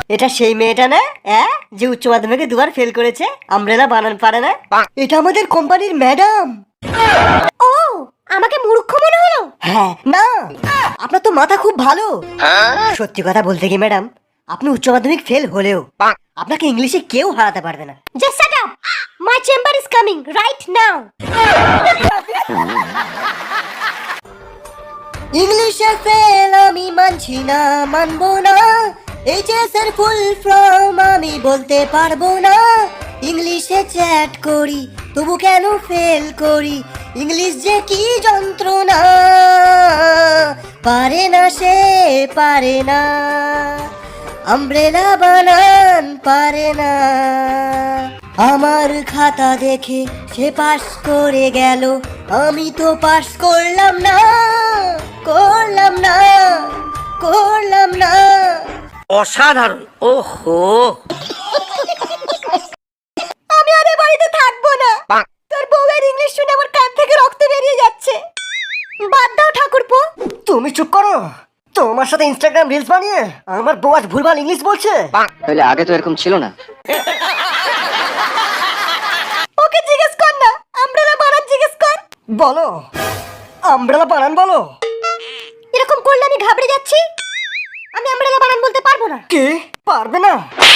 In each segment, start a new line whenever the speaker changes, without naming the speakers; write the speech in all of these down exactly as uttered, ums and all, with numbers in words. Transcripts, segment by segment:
এটা সেই মেয়েটা না হ্যাঁ, যে উচ্চ মাধ্যমিকে দুবার ফেল করেছে, আমব্রেলা বানান পারে না। এটা আমাদের কোম্পানির ম্যাডাম। ও, আমাকে মূর্খ মনে হলো? হ্যাঁ না, আপনার তো মাথা খুব ভালো। সত্যি কথা বলতে কি ম্যাডাম, আপনি উচ্চ মাধ্যমিক ফেল হলেও আপনাকে ইংলিশে কেউ হারাতে পারবে না। Just shut up, my chamber is coming right now. ইংলিশে ফেল আমি মানছি না, মানবো না। এইচএস এর ফুল ফর্ম আমি বলতে পারবো না। ইংলিশে চ্যাট করি তবু কেন ফেল করি, ইংলিশ যে কি যন্ত্রণা, পারে না সে পারে না, আমব্রেলা বানান পারে না। আমার খাতা দেখে সে পাস করে গেল, আমি তো পাস করলাম না, করলাম না, করলাম না।
অসাধারণ। ওহো,
আমি আর এ বাড়িতে থাকবো না। তোর বউয়ের ইংলিশ শুনে আমার কান থেকে রক্ত বেরিয়ে যাচ্ছে। বাদ দাও ঠাকুরপো। তুমি চুপ করো। তোমার সাথে ইনস্টাগ্রাম রিলস বানিয়ে আমার বউ আজ ভুলভাল ইংলিশ বলছে।
তাহলে আগে তো এরকম ছিল না।
ওকে জিজ্ঞেস কর না, আমব্রেলা বানান জিজ্ঞেস কর। বলো, আমব্রেলা বানান বলো। এরকম করলে আমি ঘাবড়ে যাচ্ছি। আমি আমব্রেলা বানান বলতে পারবো না। কি পারবে না?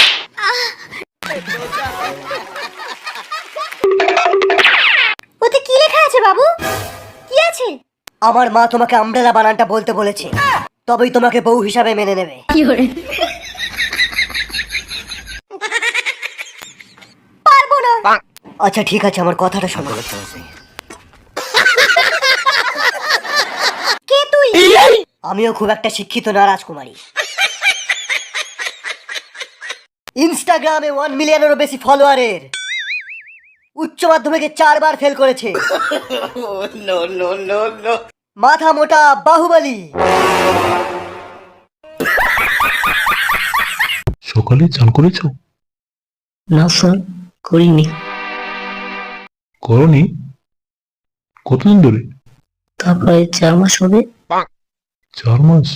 ওতে কি লেখা আছে বাবু? কি আছে? আমার মা তোমাকে আমব্রেলা বানানটা বলতে বলেছে, তবেই তোমাকে বউ হিসাবে মেনে নেবে। কি করে? পারবো না। আচ্ছা ঠিক আছে, আমার কথাটা শোনো। কে তুই? আমিও খুব একটা শিক্ষিত না রাজকুমারী। ইনস্টাগ্রামে ওয়ান মিলিয়নেরও বেশি ফলোয়ারের, উচ্চ মাধ্যমিকে চারবার ফেল করেছে, মাথা মোটা বাহুবলী।
সকালে চান করেছো?
না স্যার, করিনি।
করনি? কতদিন ধরে?
তা প্রায় চার মাস হবে।
চার মাস?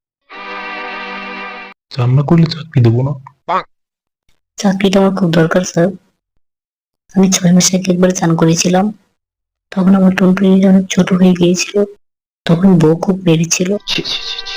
চান না করলে চাকরি দেবো না।
চাকরিটা আমার খুব দরকার স্যার। আমি ছয় মাসে একবার চান করেছিলাম, তখন আমার টনটনি অনেক ছোট হয়ে গিয়েছিল, তখন বউ খুব বেড়েছিল।
ছি ছি ছি ছি।